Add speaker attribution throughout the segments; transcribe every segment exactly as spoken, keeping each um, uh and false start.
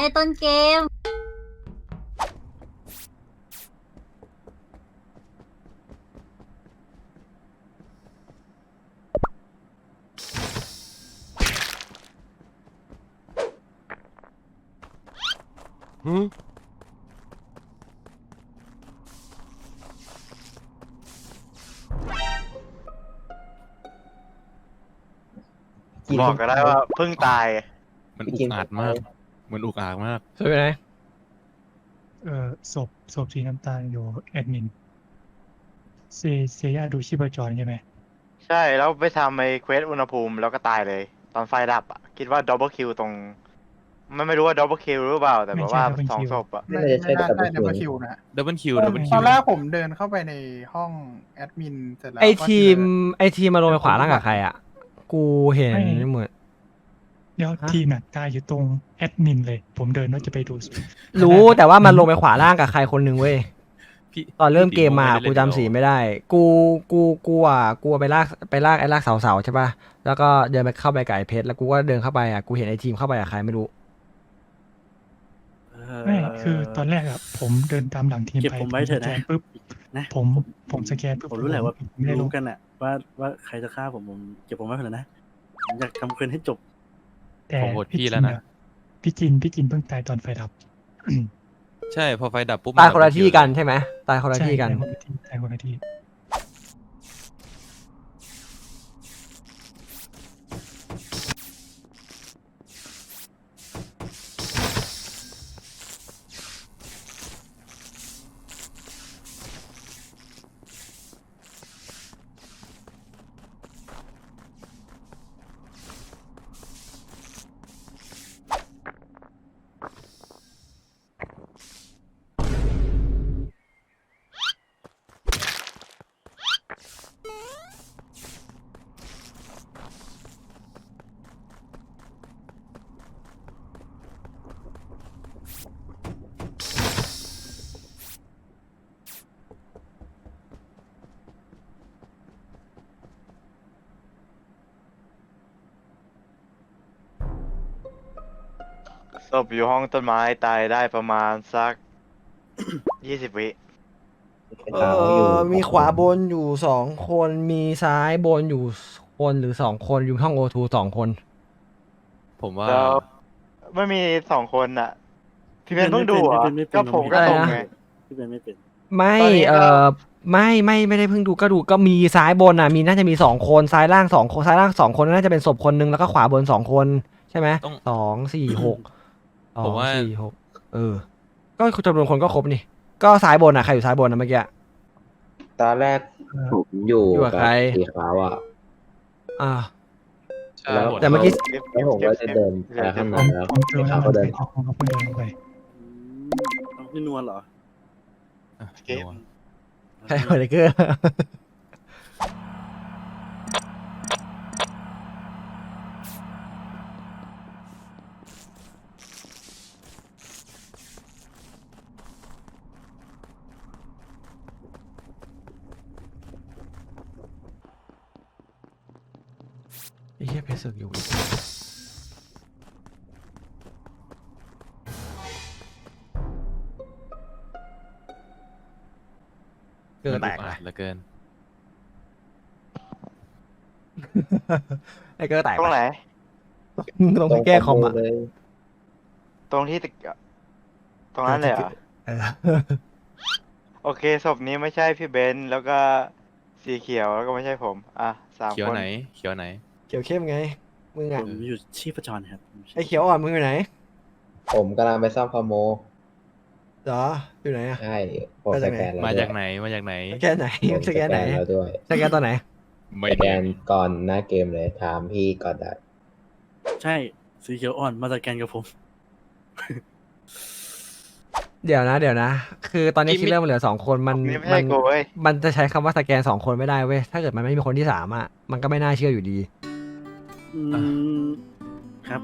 Speaker 1: ต้นเกม
Speaker 2: หืม
Speaker 3: บอกก็ได้ว่าเพิ่งตาย
Speaker 4: มันอุกอาจมาก มันอุกอาจมาก
Speaker 5: ช่วยไปไหน
Speaker 6: เอ่อศพศพสีน้ำตาลอยู่แอดมินเซเซียดูชีพจรใช่ไหม
Speaker 3: ใช่แล้วไปทำไอ้เควสอุณหภูมิแล้วก็ตายเลย ตอนไฟดับอ่ะ คิดว่าดับเบิลคิวตรงไม่ไม่รู้ว่าดับเบิลคิวหรือเปล่า แต่แบบว่าสองศพอ่ะ
Speaker 7: ไม่ไม่น่าใช่ดับเบิลคิวนะ
Speaker 4: ดับเบิลคิว ดับเบิล
Speaker 6: ต
Speaker 4: คิ
Speaker 7: ต
Speaker 4: ว
Speaker 7: อนแรกผมเดินเข้าไปในห้องแอดมินเสร็จแล้ว
Speaker 5: ไอ
Speaker 7: ก็
Speaker 5: ทีม
Speaker 7: เจอ
Speaker 5: ไอทีมมาลงไปขวาล่างกับใครอ่ะ กูเห็นเหมือน
Speaker 6: เดี๋ยว
Speaker 5: ฮะ
Speaker 6: ทีมน่ะตายอยู่ตรงแอดมินเลย ผมเดินว่าจะไปดู
Speaker 5: รู้แต่ว่ามันลงไปขวาล่างกับใครคนหนึ่งเว้ย
Speaker 4: พี่
Speaker 5: ตอนเริ่มเกมมา
Speaker 4: พี่
Speaker 5: กู
Speaker 4: ติ๋
Speaker 5: จำสีไม่ได้ กูกูกูอ่ะกูไปลากไปลากไอ้ลากเสาเสาใช่ป่ะแล้วก็เดินไปเข้าไปกับไอ้เพชรแล้วกูก็เดินเข้าไปอ่ะกูเห็นไอ้ทีมเข้าไปกับใครไม่รู้
Speaker 6: ไม่คือตอนแรกอะผมเดินตามหลังทีม
Speaker 8: เก็บ
Speaker 6: ไป
Speaker 8: ผมไว้เถอะนะ
Speaker 6: สแกนปุ๊บ
Speaker 8: นะ
Speaker 6: ผมผมสแกนปุ๊บ
Speaker 8: ผมรู้แหละว่า
Speaker 6: ไม่ได้ล
Speaker 8: รู้
Speaker 6: ง
Speaker 8: กันอะว่าว่าใครจะฆ่าผมผมเก็บผมไว้เถอะนะผมอยากทำเควสให้จบ
Speaker 6: แต่
Speaker 4: ผมโหวตพี่แล้วนะ
Speaker 6: พี่จินพี่จินเพิ่งตายตอนไฟดับ
Speaker 4: ใช่ พอไฟดับปุ๊บ
Speaker 5: ตายคนละที่กันใช่ไหมตายคนละที่กัน
Speaker 6: ใช่ตายคนละที่ตายคนละที่
Speaker 3: ศพอยู่ห้องต้นไม้ตายได้ประมาณสัก ยี่สิบวิ
Speaker 5: เออมีขวาบนอยู่สองคนมีซ้ายบนอยู่คนหรือสองคนอยู่ห้องโอทูสองคน
Speaker 4: ผมว่า
Speaker 3: แล้วไม่มีสองคนอ่ะ พี่เพนเพิ่งดูเหรอ่ะ
Speaker 8: ไม่เป็นไม่เป็น
Speaker 3: ก็ผมก็
Speaker 5: อะไร
Speaker 3: ส่ง
Speaker 5: นะ
Speaker 3: ไง
Speaker 8: พี่เป็นไม่เป็น
Speaker 5: ไม่
Speaker 3: ตอนนี้ก็
Speaker 5: เออไม่ไม่ไม่ได้เพิ่งดูก็ดูก็มีซ้ายบนอ่ะมีน่าจะมีสองคนซ้ายล่างสองคนซ้ายล่างสองคนน่าจะเป็นศพคนนึงแล้วก็ขวาบนสองคนใช่ไหม
Speaker 4: ต้อง
Speaker 5: สองสี่หกสอ
Speaker 4: ผม
Speaker 5: ง
Speaker 4: ว่า
Speaker 5: สี่หกเออ ก็จำนวนคนก็ครบนี่ก็ซ้ายบนอ่ะใครอยู่ซ้ายบนนะเมื่อกี้
Speaker 9: ตอนแรกผมอยู่
Speaker 5: อยู่กับใคร
Speaker 9: สีขาวอ่ะ
Speaker 5: อ่า
Speaker 4: ใช่
Speaker 9: แล้ว
Speaker 4: หมด
Speaker 5: แต่เมื่อกี้
Speaker 9: แล้วผมก็จะเดินไปข้างใน
Speaker 6: ผม
Speaker 9: แล้ว
Speaker 6: ผมเจอ
Speaker 9: สี
Speaker 6: แล้
Speaker 9: ขาว วก็เดิน
Speaker 6: ผมก็เพิ่งเดินลงไป
Speaker 8: อืมเอาพี่นวลเหรอ
Speaker 4: อ่ะ
Speaker 3: เกม
Speaker 4: นัว
Speaker 5: ใช่เหมือนเกอร์ ไอ้เหี้ยเพชรสึกอยู่อีกเกิด
Speaker 4: มัน
Speaker 5: แต
Speaker 4: อุ
Speaker 5: ก
Speaker 4: กอา
Speaker 5: นะ
Speaker 4: จเหลือเกิน
Speaker 5: ไอ้เกิดแตก
Speaker 3: ตรงไหน
Speaker 5: ลงไปแก้คอมอ่ะ
Speaker 9: เลย
Speaker 3: ตรงที่ตึกตรงนั้นเลยเหรอ
Speaker 5: เออ
Speaker 3: โอเคศพนี้ไม่ใช่พี่เบนซ์แล้วก็สีเขียวแล้วก็ไม่ใช่ผม อ่ะสาม
Speaker 4: เขียว
Speaker 3: คน
Speaker 4: ไหน เขียวไหน
Speaker 5: เขียวเข้มไง มึง
Speaker 8: ผ
Speaker 5: อ่ะ
Speaker 8: มอยู่ชีพจรครับผม
Speaker 5: ไอ้เขียวอ่อนมึงอยู่ไหน
Speaker 9: ผมกำลังไปซ่อมคอมโม
Speaker 5: เหรอ อยู่ไหนอ่ะ
Speaker 9: ใช่ผม
Speaker 5: มา
Speaker 9: ส
Speaker 5: จากไหน
Speaker 9: แกนแล้ว
Speaker 4: มา
Speaker 9: ด้ว
Speaker 4: จาย กไหน มาจากไหน
Speaker 5: สแกนไหน
Speaker 9: ผม
Speaker 5: สแกนไหน
Speaker 9: แล้วด้วย
Speaker 5: สแกนตอนไหน
Speaker 4: ไม่
Speaker 9: สแก
Speaker 4: แน่
Speaker 9: นก่อนหน้าเกมเลยถามพี่ก่อนได้
Speaker 8: ใช่สีเขียวอ่อนมาจากแกนกับผม
Speaker 5: เดี๋ยวนะ เดี๋ยวนะ คือตอนนี้คิดเริ่มเหลือสองคนมัน
Speaker 3: นี่ไม่
Speaker 5: มั
Speaker 3: ใช่กูเว้ย
Speaker 5: มันจะใช้คำว่าสแกนสองคนไม่ได้เว้ย ถ้าเกิดมันไม่มีคนที่สามอ่ะ มันก็ไม่น่าเชื่ออยู่ดี
Speaker 8: อืมครับ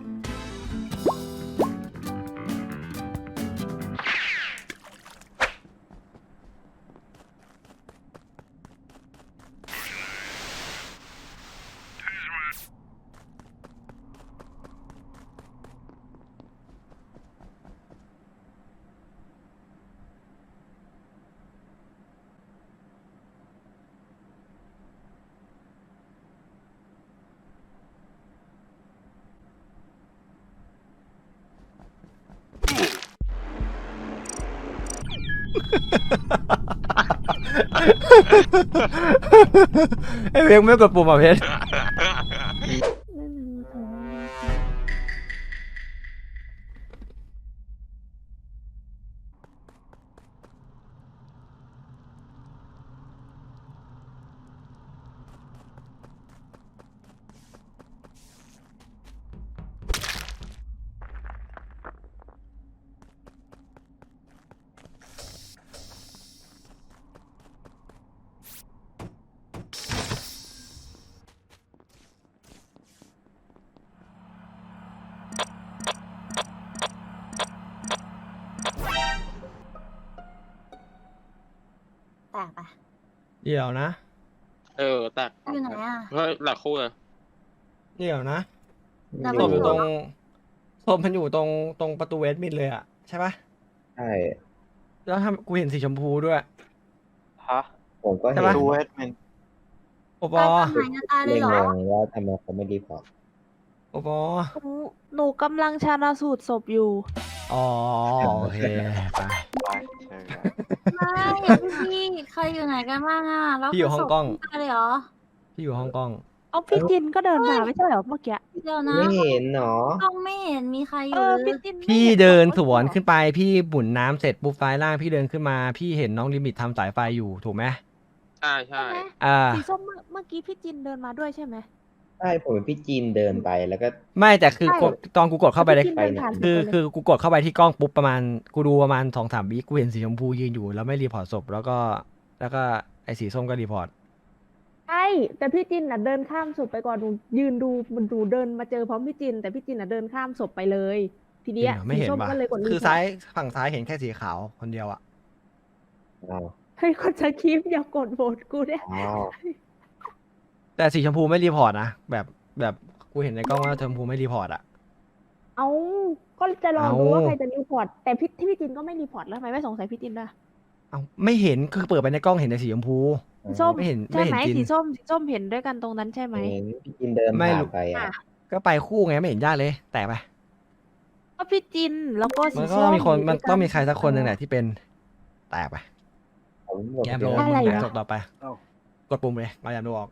Speaker 5: ไอ้เวงไม่กดปุ่มอ่ะเพชร
Speaker 1: แตกปะ
Speaker 5: เดี๋ยวนะ
Speaker 2: เออแตก
Speaker 1: อยู่ไหนอ่ะ
Speaker 2: เฮ้ยหลักคู่เลย
Speaker 5: เดี๋ยวนะ
Speaker 1: แล้ว
Speaker 5: ศ
Speaker 1: มัน
Speaker 5: พ
Speaker 1: อ
Speaker 5: อยู่
Speaker 1: ยู่
Speaker 5: ตรงศพมันอยู่ตรงตรงประตูเวสมิดเลยอ่ะใช่ปะ
Speaker 9: ใช่
Speaker 5: แล้วทำกูเห็นสีชมพูด้วย
Speaker 3: ฮะ
Speaker 9: ผมก็
Speaker 5: ใช่
Speaker 9: เห็น
Speaker 5: ปะ
Speaker 3: ดูเอดมิน
Speaker 5: โอปอ
Speaker 1: ตายตอนไหนจะตายเล
Speaker 9: เลย ย
Speaker 1: เหรอง
Speaker 9: งว่าทำไมเขาไม่รีพอร์ต
Speaker 5: โอปอ
Speaker 1: หนูหนูกำลังชานาสูตรศพอยู่
Speaker 5: อ๋อโอเคไป
Speaker 3: ไปเชิญครับ
Speaker 1: ไม่พี่ใครอยู่ไหนกันบ้างอ่ะแล้ว
Speaker 5: พี่อยู่ฮ่องกง
Speaker 1: ตายเลยเหรอ
Speaker 5: พี่อยู่ฮ่องกง
Speaker 10: เอาพี่จินก็เดินมาไม่ใช่เหรอเมื่อกี้
Speaker 1: เดี๋ยวนะ
Speaker 9: ไม่เห็นเนาะ
Speaker 1: กล้องไม่เห็นมีใครอ
Speaker 10: เอยู่ อ
Speaker 1: เล
Speaker 10: พี่
Speaker 1: ย
Speaker 10: จินไม่
Speaker 5: พี่
Speaker 10: ห็
Speaker 5: เดิน
Speaker 10: ขับรถ
Speaker 5: สวน
Speaker 10: เหรอ
Speaker 5: ขึ้นไปพี่บุ่นน้ำเสร็จปุ๊บซ้ายล่างพี่เดินขึ้นมา พี่เห็นน้องลิมิตทำสายไฟอยู่ถูกไหม
Speaker 2: ใช่ใช่
Speaker 10: ใช่ไหม
Speaker 5: อ่า
Speaker 10: สีส้มเมื่อเมื่อกี้พี่จินเดินมาด้วยใช่ไหม
Speaker 9: ใช่ผมเห็นพี่จีนเดินไปแล้วก็
Speaker 5: ไม่แต่คือ
Speaker 10: ใช่
Speaker 5: กดตอนกูกดเข้าไป
Speaker 10: แล้
Speaker 5: ใน
Speaker 10: วพี่จินเดินผ่าน
Speaker 5: คือ
Speaker 10: ผมไปเลย
Speaker 5: คือกูกดเข้าไปที่กล้องปุ๊บประมาณกูดูประมาณสองสามวิกูเห็นสีชมพูยืนอยู่แล้วไม่รีพอร์ตศพแล้วก็แล้วก็ไอ้สีส้มก็รีพอร์ต
Speaker 10: ใช่แต่พี่จินน่ะเดินข้ามศพไปก่อนหนูยืนดูมันดูเดินมาเจอพร้อมพี่จิน แต่พี่จินน่ะเดินข้ามศพไปเลย ที
Speaker 5: จริ
Speaker 10: เนี้
Speaker 5: ง
Speaker 10: ย
Speaker 5: เหรอไม่
Speaker 10: สี
Speaker 5: เห็น
Speaker 10: ส้ม
Speaker 5: ปะ
Speaker 10: ก็เลยกดรีพ
Speaker 5: คือ
Speaker 10: ร์ต
Speaker 5: ซ้ายฝั่งซ้ายเห็นแค่สีขาวคนเดียวอะ
Speaker 9: อ้าว
Speaker 10: ให้คนจะคลิปอย่ากดโหวตกูเนี่ย
Speaker 9: อ้าว
Speaker 5: แต่สีชมพูไม่รีพอร์ตนะแบบแบบกูเห็นในกล้องว่าชมพูไม่รีพอร์ตอะ
Speaker 10: เอาก็จะรอดู
Speaker 5: เอา
Speaker 10: ว่าใครจะรีพอร์ตแต่พี่ที่พี่จินก็ไม่รีพอร์ตแล้วทำไมไม่สงสัยพี่จินด้วย
Speaker 5: เอาไม่เห็นคือเปิดไปในกล้องเห็นแต่สีชมพู
Speaker 10: สีส้ม
Speaker 5: ไม่เห็น
Speaker 10: ใช่ไหม
Speaker 5: ไม่เห็นจิน
Speaker 10: สีส้มสีส้มเห็นด้วยกันตรงนั้นใช่ไหม
Speaker 9: เห็นพี่จีนเดิน
Speaker 5: ไม่
Speaker 9: ผ่า
Speaker 5: รู้
Speaker 9: นไปอ่ะ
Speaker 5: ก็ไปคู่ไงไม่เห็นยากเลย แต่ไป
Speaker 10: ก็พี่จินแล้วก็สี
Speaker 5: มันก็
Speaker 10: ส้
Speaker 5: ต้อง
Speaker 10: ม
Speaker 5: มีคน
Speaker 10: ยู่
Speaker 5: มัน
Speaker 10: ด้วยกั
Speaker 5: ต้องมีใครสักคนหนึ่งแหละที่เป็นแตกไป
Speaker 9: ผมบอก
Speaker 5: แยม
Speaker 9: เดิ
Speaker 5: โล
Speaker 9: น
Speaker 10: อะไร
Speaker 5: มึง
Speaker 10: วะ
Speaker 5: จบต่อไป
Speaker 8: เอ้า
Speaker 5: กดปุ่มเลยเอาแยมโลออก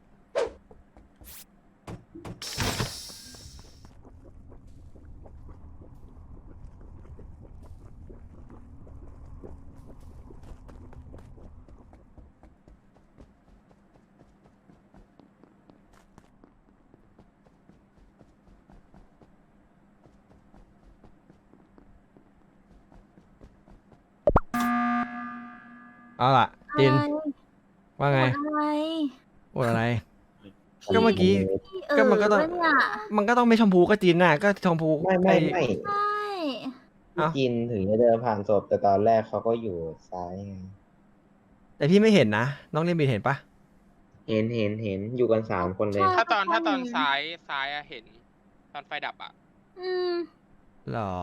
Speaker 5: เอาล่ะจิน ว่าไง
Speaker 1: อะไร
Speaker 5: พูดอะไร ก็เมื่อกี้
Speaker 1: พี่เอ
Speaker 5: ก็
Speaker 1: อ
Speaker 5: มันก็ต้อง
Speaker 1: ปะเนี่ย
Speaker 5: มันก็ต้องไม่ชมพูก็จินน่ะ ก็ชมพู
Speaker 9: ไม่ไม่
Speaker 5: อ้
Speaker 9: ไม่
Speaker 1: ใช่
Speaker 9: พี่จีนถึงจะเดินผ่านศพแต่ตอนแรกเขาก็อยู่ซ้ายไง
Speaker 5: แต่พี่ไม่เห็นนะ น้องลิมิตเห็นปะ
Speaker 9: เห็นเห็นเห็นอยู่กันสามคนเลย
Speaker 2: ถ้าตอนถ้าตอนซ้ายซ้ายอะเห็น ตอนไฟดับอะ
Speaker 1: อืม
Speaker 5: หรอ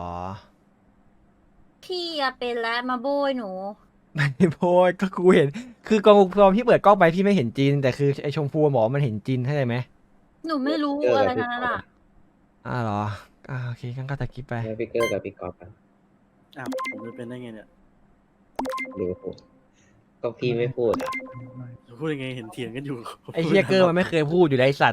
Speaker 1: พี่อะเป็นแล้วมาโบยหนู
Speaker 5: ไม่โพยก็กูเห็น คือกองตอนพี่เปิดกล้องไปพี่ไม่เห็นจิน แต่คือไอชมพูหมอมันเห็นจินเข้าใจไหม
Speaker 1: หนูไม่รู้
Speaker 9: เจอ
Speaker 1: อะไร
Speaker 9: กับ
Speaker 1: ทั้งนั้น
Speaker 9: พี่ก๊อ
Speaker 1: อ่ะ
Speaker 9: ฟ
Speaker 5: อ่าเหรออ่าโอเคงั้นก็ตะกี้ไป
Speaker 9: ไม่พี่เกอร์กับพี่กอล์ฟอะ
Speaker 8: อ้าวผมจะเป็นได้ไงเนี่ย
Speaker 9: หรือผมก็พี่ไม่พูดอ่ะ
Speaker 8: จะพูดยังไงเห็นเถียงกันอยู่
Speaker 5: ไอเฮียเกอร์มันไม่เคยพูดอยู่แล้วไอสัตว์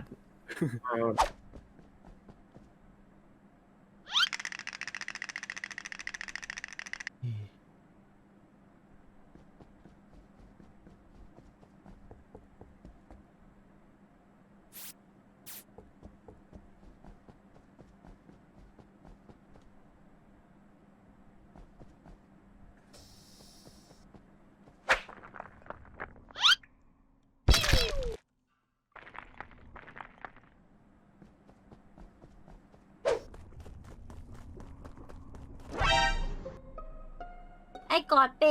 Speaker 1: ไอ้กอดเป็น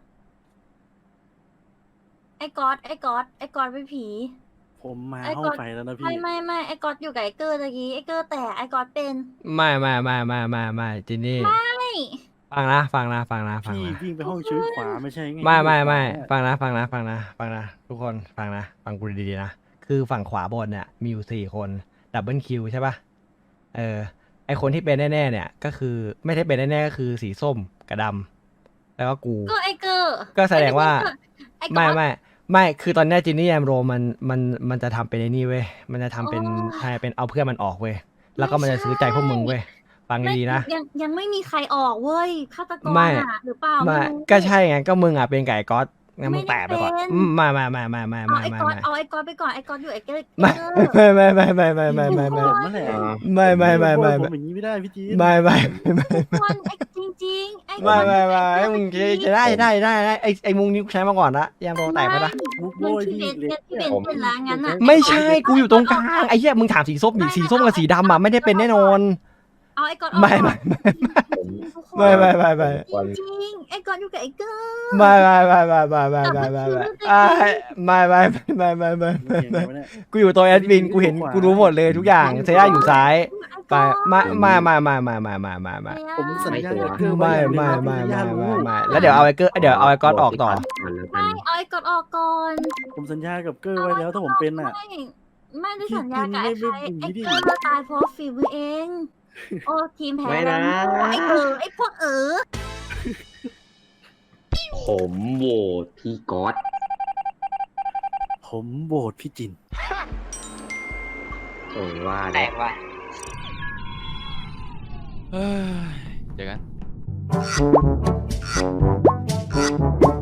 Speaker 1: ไอ้กอดไอ้กอดไอ้กอดเป็นผี
Speaker 8: ผมมา
Speaker 1: ไอ้
Speaker 8: ห้อ
Speaker 1: ก
Speaker 8: ง
Speaker 1: อด
Speaker 8: ไฟแล้วนะพี่
Speaker 1: ไม่ไม่ไม่ไอ้กอดอยู่กับไอ้เกอร์ตะกี้ไอ้เกอร์แต่ไอ้กอดเป็น
Speaker 5: ไม่ไม่ไม่ไม่ไม่ไม่จินนี่
Speaker 1: ไม่
Speaker 5: ฟังนะฟังนะฟังนะฟัง
Speaker 8: พี่
Speaker 5: นะ
Speaker 8: วิ่งไปห้องชื้อขวาไม่ใช่ไง
Speaker 5: ไม่ไม่ไม่
Speaker 8: ขวา
Speaker 5: ฟังนะฟังนะฟังนะฟังนะทุกคนฟังนะฟังกูดีๆนะคือฝั่งขวาบนเนี่ยมีอยู่สี่คนดับเบิลคิวใช่ปะเออไอคนที่เป็นแน่ๆเนี่ยก็คือไม่ได้เป็นแน่ๆก็คือสีส้มกับดแล้วก็กู
Speaker 1: ก็ไอเกอร์
Speaker 5: ก็แสดงว่า
Speaker 1: ไอ้ก๊อต
Speaker 5: ไม่ไม่ไม่คือตอนเนี้จินนี่แอมโรมันมันมันจะทำเป็นไอ้นี่เว้ยมันจะทำเป็นใช่เป็นเอาเพื่อนมันออกเว้ยแล้วก็มันจะซื้อใจพวกมึงเว้ยฟัง
Speaker 1: ไม่
Speaker 5: ดีๆนะ
Speaker 1: ยังยังไม่มีใครออกเว้ยฆาตกร
Speaker 5: ไม่
Speaker 1: อะหรือเปล่า
Speaker 5: ไม่
Speaker 1: รู้
Speaker 5: ก็ใช่ไงก็มึงอ่ะเป็นไก่ก๊อตงั้นมึง
Speaker 1: ไม่
Speaker 5: แปะ
Speaker 1: ได้
Speaker 5: ไปก่อน
Speaker 1: เป็น
Speaker 5: อืมไม่ไม่ไม่ไม่ไม่
Speaker 1: เอา
Speaker 5: ไม่
Speaker 1: ไอ้
Speaker 5: ไม่
Speaker 1: ก๊อต
Speaker 5: ไม่
Speaker 1: เอาไอ้ก๊อตไปก่อนไอ้ก๊อตอยู่ไอ้เกอร์
Speaker 5: ไม่
Speaker 1: เกอร์
Speaker 5: ไม่ไม่ไม่ไม่ไม่ไม่ไม่ไม่
Speaker 8: ผมนั่นแหละ
Speaker 5: ไม่ไม่ไม่ไม่
Speaker 8: ผ
Speaker 5: ไม่
Speaker 8: มอย่างนี้ไม่ได้พี่จีน
Speaker 5: ไม่ไม่ไม่
Speaker 1: คนไอ้จริงๆไอ้
Speaker 5: ไม่ไม่ไม่
Speaker 1: อ้
Speaker 5: ไอ้มึงจะจะได้ได้ได้ได้ไอ้ไอ้มุงนี้กูใช้มาก่อนละยามโรแตกไปละ
Speaker 8: มุก
Speaker 1: มึ
Speaker 8: โบ
Speaker 1: ง
Speaker 8: ย
Speaker 1: ที่
Speaker 8: พี่
Speaker 1: เบน
Speaker 8: เล็ก
Speaker 1: ที่เบนเป็นล้างงั้นอ่ะ
Speaker 5: ไม่ใช่กูอยู่ตรงกลางไอ้เหี้ยมึงถามสีส้มดิสีส้มกับสีดำอ่ะไม่ได้เป็นแน่นอน
Speaker 1: เอาไอ้ก๊อตออก
Speaker 5: ไม่ไม่
Speaker 9: ผม
Speaker 1: ทุกคน
Speaker 5: ไม่ไม่ไม่ไม่
Speaker 1: จริงๆไอ้ก๊อตอยู่กับไอ้เกอร์
Speaker 5: ไม่ไม่ไม่ไม่ไม่ไม่ไม่ไม่ไม่ไม่ไม่ไม่ไม่ไม่ไม่
Speaker 8: เก่ง
Speaker 5: ไม่
Speaker 8: ไหมเนี่ย
Speaker 5: กูอยู่ตัวแอดมินกูเห็นกูรู้หมดเลยทุกอย่างเซย่าอยู่ซ้ายไปไม่ไม่ไม่ไม่ไม่ไม่ไม่ไม่ไม่
Speaker 8: ผมสัญญากับเกอร์
Speaker 5: ไม่
Speaker 8: ว้
Speaker 5: ไม่
Speaker 8: อย่างหนึ่ง
Speaker 5: ไม่
Speaker 8: ว่า
Speaker 5: ไม่
Speaker 8: พี่
Speaker 5: ไม่แล้วเดี๋ยวเอาไอ้เกอร์เดี๋ยวเอาไอ้ก๊อตออกต่อ
Speaker 1: ไม่เอาไอ้ก๊อตออกก่อน
Speaker 8: ผมสัญญากับเกอร์ไว้แล้วถ้าผมเป็นอ่ะ
Speaker 1: ไม่ไม่ได้สัญญากับไอ้ใคร
Speaker 8: พี่กินไม่
Speaker 1: ไอ้
Speaker 8: ไม่
Speaker 1: เกอร์ตายเพราะฝีมือเอง โอ้ทีมแพ้
Speaker 9: ไม่
Speaker 1: แล้
Speaker 9: นะ
Speaker 1: วไอ้เออไอ้พวกเออ
Speaker 9: ผมโหวตพี่ก๊อต
Speaker 8: ผมโหวตพี่จิน
Speaker 9: ผมว่า
Speaker 2: แต
Speaker 9: นะ
Speaker 2: กว่ะ
Speaker 4: เฮ้ยเจอกัน